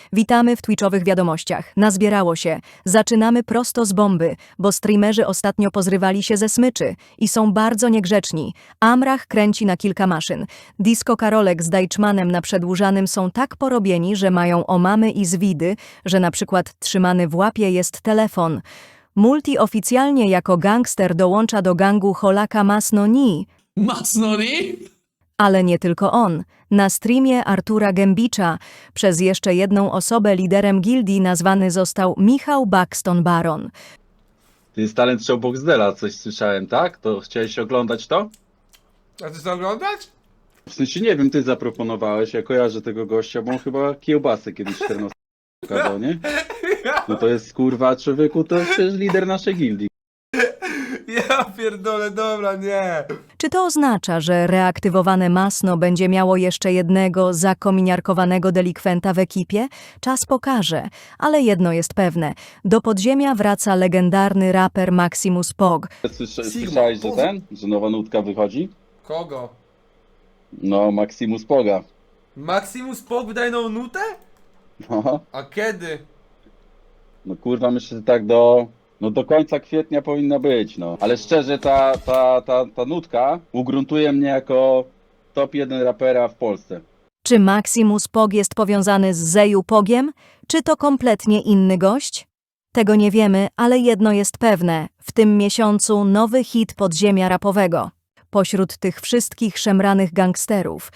Witamy w Twitchowych wiadomościach. Nazbierało się. Zaczynamy prosto z bomby, bo streamerzy ostatnio pozrywali się ze smyczy i są bardzo niegrzeczni. Amrach kręci na kilka maszyn. Disco Karolek z Deichmanem na Przedłużanym są tak porobieni, że mają omamy i zwidy, że na przykład trzymany w łapie jest telefon. Multi oficjalnie jako gangster dołącza do gangu Holaka Masnoni. Masnoni? Ale nie tylko on. Na streamie Artura Gębicza przez jeszcze jedną osobę liderem gildii nazwany został Michał Buxton Baron. To jest talent show Boxdela, coś słyszałem, tak? To chciałeś oglądać to? A ty chcesz oglądać? W sensie nie wiem, ty zaproponowałeś, ja kojarzę tego gościa, bo on chyba kiełbasę kiedyś 14 pokazał, nie? No to jest kurwa człowieku, to przecież lider naszej gildii. Ja pierdolę, dobra, nie. Czy to oznacza, że reaktywowane Masno będzie miało jeszcze jednego zakominiarkowanego delikwenta w ekipie? Czas pokaże, ale jedno jest pewne. Do podziemia wraca legendarny raper Maximus Pog. Słyszałeś, że nowa nutka wychodzi? Kogo? No, Maximus Poga. Maximus Pop wydaje nową nutę? No, A kiedy? no kurwa, myślę, że tak do końca kwietnia powinna być, no. Ale szczerze, ta nutka ugruntuje mnie jako top 1 rapera w Polsce. Czy Maximus Pog jest powiązany z Zeju Pogiem? Czy to kompletnie inny gość? Tego nie wiemy, ale jedno jest pewne. W tym miesiącu nowy hit podziemia rapowego. Pośród tych wszystkich szemranych gangsterów.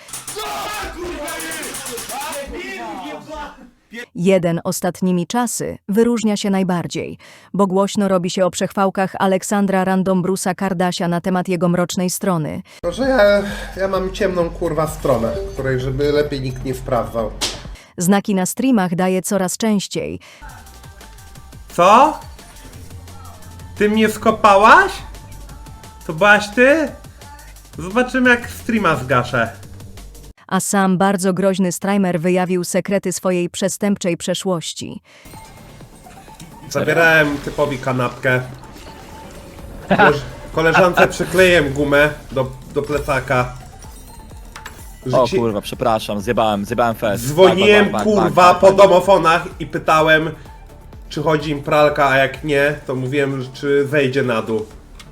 Jeden ostatnimi czasy wyróżnia się najbardziej, bo głośno robi się o przechwałkach Aleksandra Random Bruce'a Kardasia na temat jego mrocznej strony. To, że ja mam ciemną kurwa stronę, której żeby lepiej nikt nie sprawdzał. Znaki na streamach daje coraz częściej. Co? Ty mnie skopałaś? To byłaś ty? Zobaczymy jak streama zgaszę. A sam bardzo groźny streamer wyjawił sekrety swojej przestępczej przeszłości. Zabierałem typowi kanapkę. Koleżance przykleiłem gumę do plecaka. O kurwa, przepraszam, zjebałem fest. Dzwoniłem Tak, kurwa po domofonach i pytałem, czy chodzi im pralka, a jak nie, to mówiłem, czy wejdzie na dół.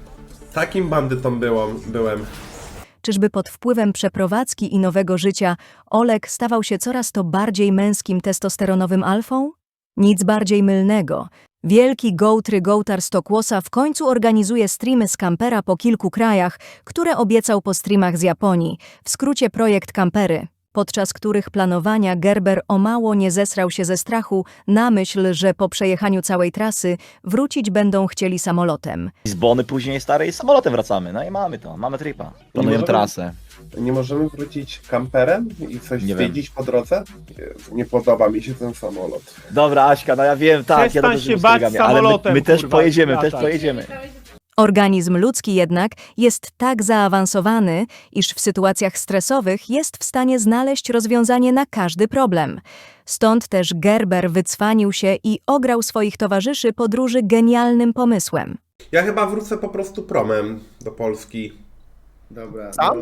Takim bandytą byłem. Czyżby pod wpływem przeprowadzki i nowego życia Olek stawał się coraz to bardziej męskim testosteronowym alfą? Nic bardziej mylnego. Wielki gołtar Stokłosa w końcu organizuje streamy z kampera po kilku krajach, które obiecał po streamach z Japonii, w skrócie projekt Kampery, podczas których planowania Gerber o mało nie zesrał się ze strachu na myśl, że po przejechaniu całej trasy wrócić będą chcieli samolotem. Z Bony później stary i samolotem wracamy, no i mamy tripa. Planujemy trasę. Nie możemy wrócić kamperem i coś Nie zwiedzić po drodze? Jezu, nie podoba mi się ten samolot. Dobra Aśka, no ja wiem, tak, Przestań ja się bać ale samolotem, my też kurwa, pojedziemy, latać. Organizm ludzki jednak jest tak zaawansowany, iż w sytuacjach stresowych jest w stanie znaleźć rozwiązanie na każdy problem. Stąd też Gerber wycwanił się i ograł swoich towarzyszy podróży genialnym pomysłem. Ja chyba wrócę po prostu promem do Polski. Dobra. Sam? No,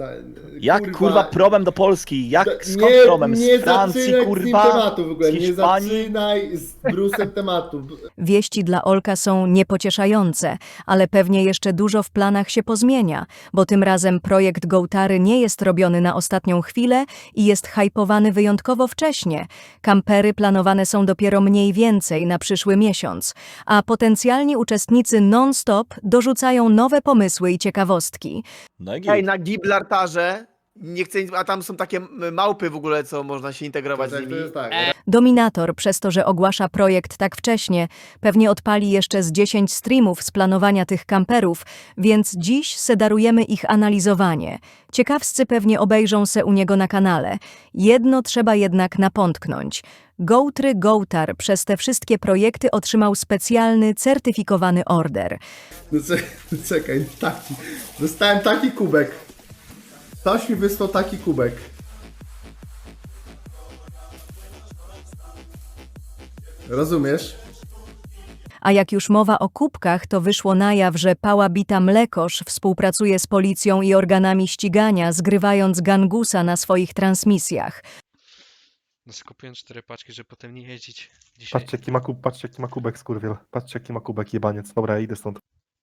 Jak kurwa promem do Polski? Skąd promem? Z Francji, kurwa? tematu w ogóle, z nie Hiszpanii? zaczynaj z Brusem tematu. Wieści dla Olka są niepocieszające, ale pewnie jeszcze dużo w planach się pozmienia, bo tym razem projekt Gołtary nie jest robiony na ostatnią chwilę i jest hypowany wyjątkowo wcześnie. Kampery planowane są dopiero mniej więcej na przyszły miesiąc, a potencjalni uczestnicy non-stop dorzucają nowe pomysły i ciekawostki. No i Hej, na Gibraltarze, nie chcę, a tam są takie małpy w ogóle, co można się integrować z To nimi. jest tak. Dominator, przez to, że ogłasza projekt tak wcześnie, pewnie odpali jeszcze z 10 streamów z planowania tych kamperów, więc dziś sedarujemy ich analizowanie. Ciekawscy pewnie obejrzą se u niego na kanale. Jedno trzeba jednak napątknąć. Gołtar przez te wszystkie projekty otrzymał specjalny, certyfikowany order. No czekaj, dostałem taki kubek. Ktoś mi wysłał taki kubek. Rozumiesz? A jak już mowa o kubkach, to wyszło na jaw, że Pała Bita Mlekosz współpracuje z policją i organami ścigania, zgrywając gangusa na swoich transmisjach. No skupiłem 4 paczki, żeby potem nie jeździć dzisiaj. Patrzcie jaki ma kubek, skurwiel. Patrzcie jaki ma kubek, jebaniec. Dobra, ja idę stąd.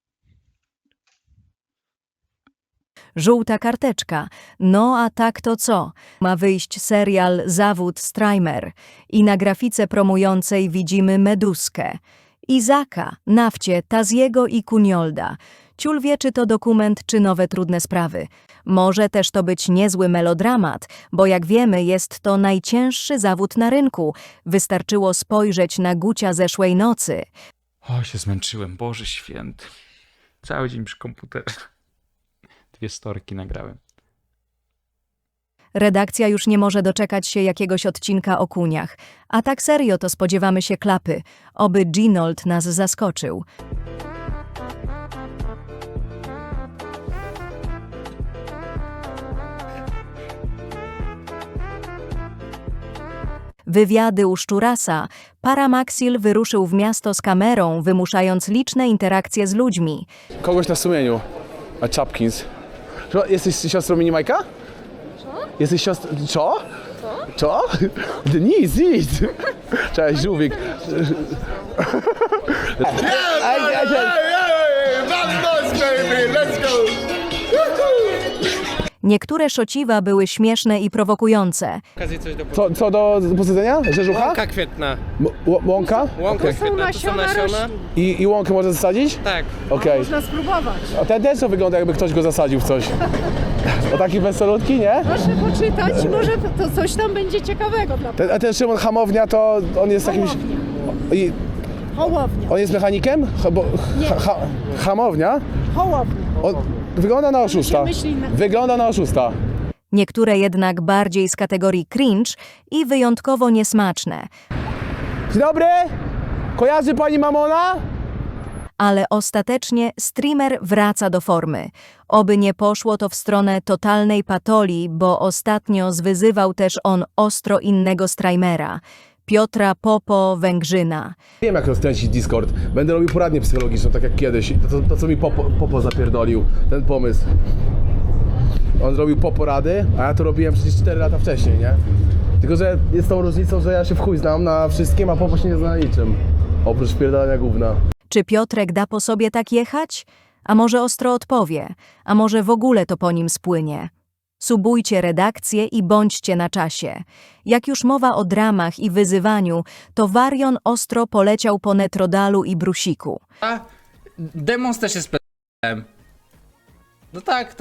Żółta karteczka. No a tak to co? Ma wyjść serial Zawód Strajmer i na grafice promującej widzimy Meduskę, Izaka, Nafcie, Taziego i Kuniolda. Ciul wie, czy to dokument, czy nowe trudne sprawy. Może też to być niezły melodramat, bo jak wiemy, jest to najcięższy zawód na rynku. Wystarczyło spojrzeć na Gucia zeszłej nocy. O, się zmęczyłem, Boże święty. Cały dzień przy komputerze. 2 storki nagrałem. Redakcja już nie może doczekać się jakiegoś odcinka o kuniach. A tak serio to spodziewamy się klapy. Oby Ginold nas zaskoczył. Wywiady u Szczurasa. Paramaxil wyruszył w miasto z kamerą, wymuszając liczne interakcje z ludźmi. Kogoś na sumieniu. A Chapkins. Jesteś siostrą Minimajka? Co? Jesteś siostrą... Co? Co? Nic. Cześć, żółwik. Niektóre szociwa były śmieszne i prowokujące. Co do posadzenia? Rzeżucha? Łąka kwietna. Łąka? Łąka Okej. kwietna, to są nasiona. I łąkę można zasadzić? Tak. Okej. Można spróbować. A ten też to wygląda, jakby ktoś go zasadził w coś. O taki wesolutki, nie? Proszę poczytać, może to coś tam będzie ciekawego dla A ten Szymon Hamownia to on jest jakimś... Hołownia. On jest mechanikiem? Hamownia? Hołownia. Wygląda na oszusta. Wygląda na oszusta. Niektóre jednak bardziej z kategorii cringe i wyjątkowo niesmaczne. Dzień dobry! Kojarzy pani Mamona? Ale ostatecznie streamer wraca do formy. Oby nie poszło to w stronę totalnej patolii, bo ostatnio zwyzywał też on ostro innego streamera, Piotra Popo Węgrzyna. Wiem, jak rozkręcić Discord. Będę robił poradnię psychologiczną, tak jak kiedyś. To co mi Popo zapierdolił, ten pomysł. On zrobił Popo rady, a ja to robiłem przecież 4 lata wcześniej, nie? Tylko, że jest tą różnicą, że ja się w chuj znam na wszystkim, a Popo się nie zna na niczym. Oprócz pierdolenia gówna. Czy Piotrek da po sobie tak jechać? A może ostro odpowie? A może w ogóle to po nim spłynie? Subujcie redakcję i bądźcie na czasie. Jak już mowa o dramach i wyzywaniu, to Warion ostro poleciał po Netrodalu i Brusiku. A Demons też jest p***em. No tak.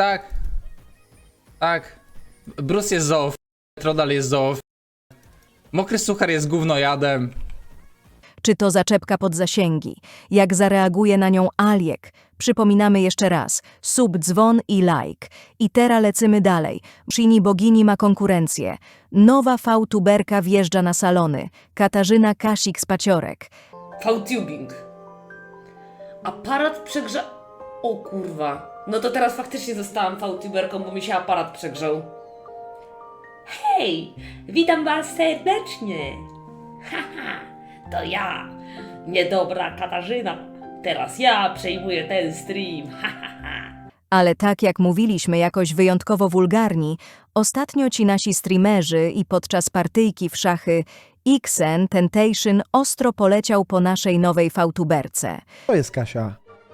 Tak. Bruce jest zoof. Trodal jest zoof. Mokry suchar jest gównojadem. Czy to zaczepka pod zasięgi? Jak zareaguje na nią Aliek? Przypominamy jeszcze raz. Sub, dzwon i like. I teraz lecymy dalej. Shini Bogini ma konkurencję. Nowa V-tuberka wjeżdża na salony. Katarzyna Kasik z Paciorek. V-tubing. Aparat przegrza... O kurwa. No to teraz faktycznie zostałam V-tuberką, bo mi się aparat przegrzał. Hej, witam was serdecznie. Haha, to ja, niedobra Katarzyna. Teraz ja przejmuję ten stream. Ale tak jak mówiliśmy jakoś wyjątkowo wulgarni, ostatnio ci nasi streamerzy i podczas partyjki w szachy Xen Temptation ostro poleciał po naszej nowej V-tuberce. To jest Kasia.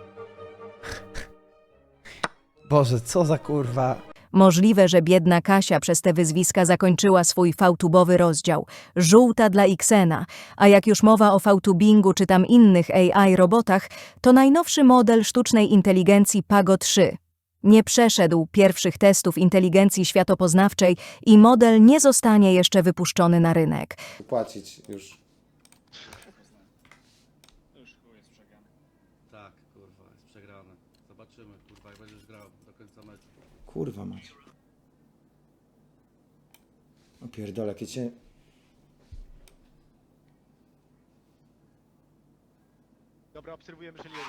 Boże, co za kurwa. Możliwe, że biedna Kasia przez te wyzwiska zakończyła swój V-tubowy rozdział. Żółta dla Xena. A jak już mowa o V-tubingu czy tam innych AI robotach, to najnowszy model sztucznej inteligencji Pago 3. Nie przeszedł pierwszych testów inteligencji światopoznawczej i model nie zostanie jeszcze wypuszczony na rynek. Płacić już. Tak, kurwa, jest przegrane. Zobaczymy, kurwa, jak będziesz grał do końca meczu. Kurwa mać. O pierdolę, jakie cię... Dobra, obserwujemy Szeliego.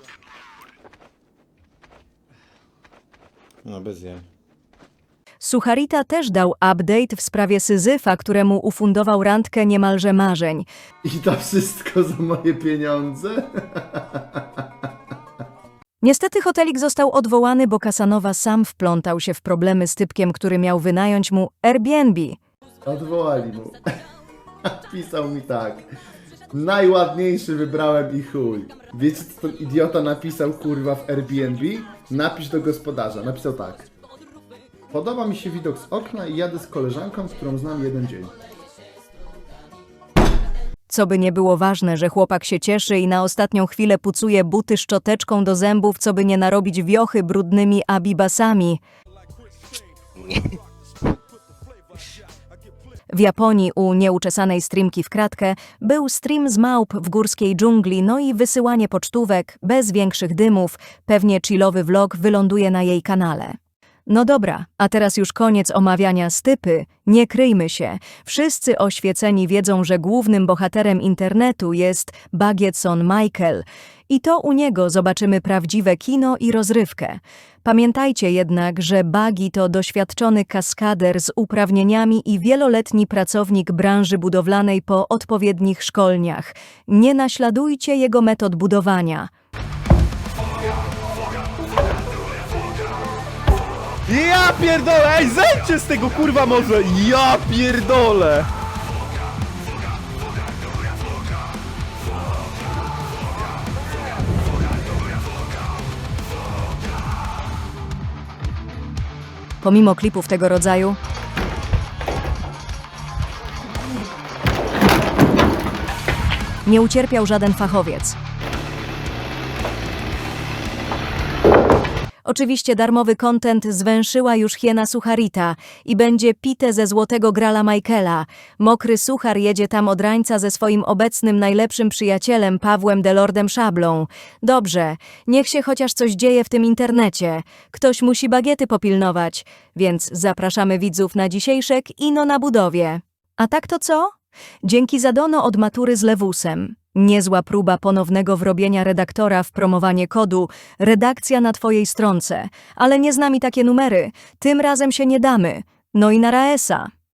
No bez jej. Sucharita też dał update w sprawie Syzyfa, któremu ufundował randkę niemalże marzeń. I to wszystko za moje pieniądze? Niestety hotelik został odwołany, bo Kasanowa sam wplątał się w problemy z typkiem, który miał wynająć mu Airbnb. Odwołali mu. Pisał mi tak. Najładniejszy wybrałem i chuj. Wiecie co ten idiota napisał kurwa w Airbnb? Napisz do gospodarza. Napisał tak. Podoba mi się widok z okna i jadę z koleżanką, którą znam jeden dzień. Co by nie było ważne, że chłopak się cieszy i na ostatnią chwilę pucuje buty szczoteczką do zębów, co by nie narobić wiochy brudnymi abibasami. W Japonii u nieuczesanej streamki w kratkę był stream z małp w górskiej dżungli, no i wysyłanie pocztówek, bez większych dymów, pewnie chillowy vlog wyląduje na jej kanale. No dobra, a teraz już koniec omawiania stypy, nie kryjmy się. Wszyscy oświeceni wiedzą, że głównym bohaterem internetu jest Bagietson Michael. I to u niego zobaczymy prawdziwe kino i rozrywkę. Pamiętajcie jednak, że Bagi to doświadczony kaskader z uprawnieniami i wieloletni pracownik branży budowlanej po odpowiednich szkoleniach. Nie naśladujcie jego metod budowania. Ja pierdolę, ej, zejdźcie z tego kurwa może! Ja pierdolę! Pomimo klipów tego rodzaju, nie ucierpiał żaden fachowiec. Oczywiście darmowy content zwęszyła już hiena Sucharita i będzie pite ze złotego grala Michaela. Mokry Suchar jedzie tam od rańca ze swoim obecnym najlepszym przyjacielem Pawłem Delordem Szablą. Dobrze, niech się chociaż coś dzieje w tym internecie. Ktoś musi bagiety popilnować, więc zapraszamy widzów na dzisiejsze kino na budowie. A tak to co? Dzięki za dono od matury z Lewusem. Niezła próba ponownego wrobienia redaktora w promowanie kodu, redakcja na twojej stronce, ale nie z nami takie numery, tym razem się nie damy. No i na Raesa.